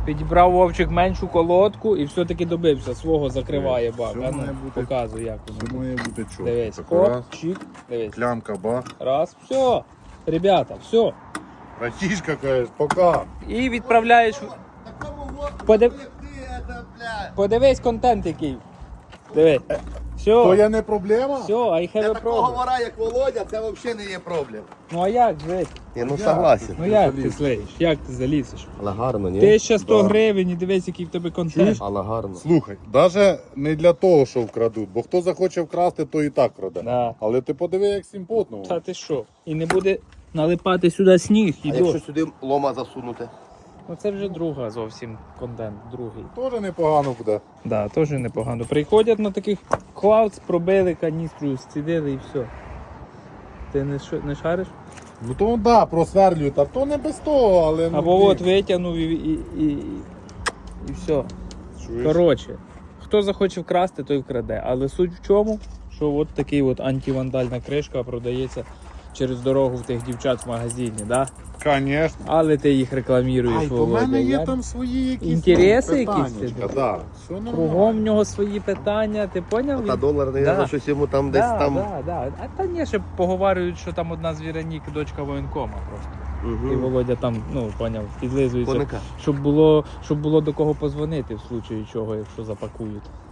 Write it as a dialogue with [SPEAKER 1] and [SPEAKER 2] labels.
[SPEAKER 1] Підібрав Вовчик меншу колодку і все-таки добився. Свого закриває бак.
[SPEAKER 2] Все
[SPEAKER 1] А ну,
[SPEAKER 2] має бути-
[SPEAKER 1] показуй, як
[SPEAKER 2] Все
[SPEAKER 1] воно.
[SPEAKER 2] має бути чітко.
[SPEAKER 1] Дивись,
[SPEAKER 2] Так,
[SPEAKER 1] хоп,
[SPEAKER 2] раз,
[SPEAKER 1] чик, дивись.
[SPEAKER 2] клямка, бах.
[SPEAKER 1] Раз, все. Ребята, все.
[SPEAKER 2] Братишка, кажеш, пока.
[SPEAKER 1] І відправляєш. Подив... Подивись контент який. Дивись.
[SPEAKER 2] То
[SPEAKER 1] Все.
[SPEAKER 2] я не проблема?
[SPEAKER 1] Все, I have
[SPEAKER 3] Для
[SPEAKER 1] a
[SPEAKER 3] такого
[SPEAKER 1] problem.
[SPEAKER 3] вора, як Володя, це взагалі не є проблем.
[SPEAKER 1] Ну а як жити?
[SPEAKER 3] Ні, ну согласен.
[SPEAKER 1] Ну як ти слеєш? Як ти залізеш?
[SPEAKER 3] Але гарно, ні?
[SPEAKER 1] 1100
[SPEAKER 2] Да.
[SPEAKER 1] гривень і дивись, який в тебе контент.
[SPEAKER 3] Але гарно.
[SPEAKER 2] Слухай, навіть не для того, що вкрадуть, бо хто захоче вкрасти, то і так краде.
[SPEAKER 1] Да.
[SPEAKER 2] Але ти подиви, як симпотно.
[SPEAKER 1] Та ти що? І не буде налипати сюди сніг і
[SPEAKER 3] А якщо
[SPEAKER 1] дощ.
[SPEAKER 3] сюди лома засунути?
[SPEAKER 1] Ну це вже друга зовсім контент, другий.
[SPEAKER 2] Теж непогано буде.
[SPEAKER 1] Да, теж непогано. Приходять на таких клаудс, пробили каністру, зцідили і все. Ти не шариш?
[SPEAKER 2] Ну то да, просверлюють, а то не без того, але ну.
[SPEAKER 1] Або
[SPEAKER 2] ти-
[SPEAKER 1] от витягнув і все.
[SPEAKER 2] Чуєш?
[SPEAKER 1] Коротше, хто захоче вкрасти, той вкраде. Але суть в чому, що от такий от антивандальна кришка продається через дорогу в тих дівчат в магазині, да?
[SPEAKER 2] Конечно.
[SPEAKER 1] Але ти їх рекламіруєш,
[SPEAKER 2] Ай, то в
[SPEAKER 1] Володя.
[SPEAKER 2] мене є
[SPEAKER 1] я-
[SPEAKER 2] там свої якісь
[SPEAKER 1] Інтереси
[SPEAKER 2] там
[SPEAKER 1] якісь
[SPEAKER 2] питаннячка,
[SPEAKER 1] ти?
[SPEAKER 2] да. Все нормально.
[SPEAKER 1] Кругом в нього свої питання, ти поняв?
[SPEAKER 3] Та долар,
[SPEAKER 1] Да.
[SPEAKER 3] наверное, щось йому там десь
[SPEAKER 1] Да,
[SPEAKER 3] там.
[SPEAKER 1] да. А та ні, ще поговорюють, що там одна з Віронік дочка воєнкома просто. І
[SPEAKER 3] Угу.
[SPEAKER 1] Володя там, ну, поняв, підлизується,
[SPEAKER 3] Коника.
[SPEAKER 1] щоб було до кого позвонити в случаї чого, якщо запакують.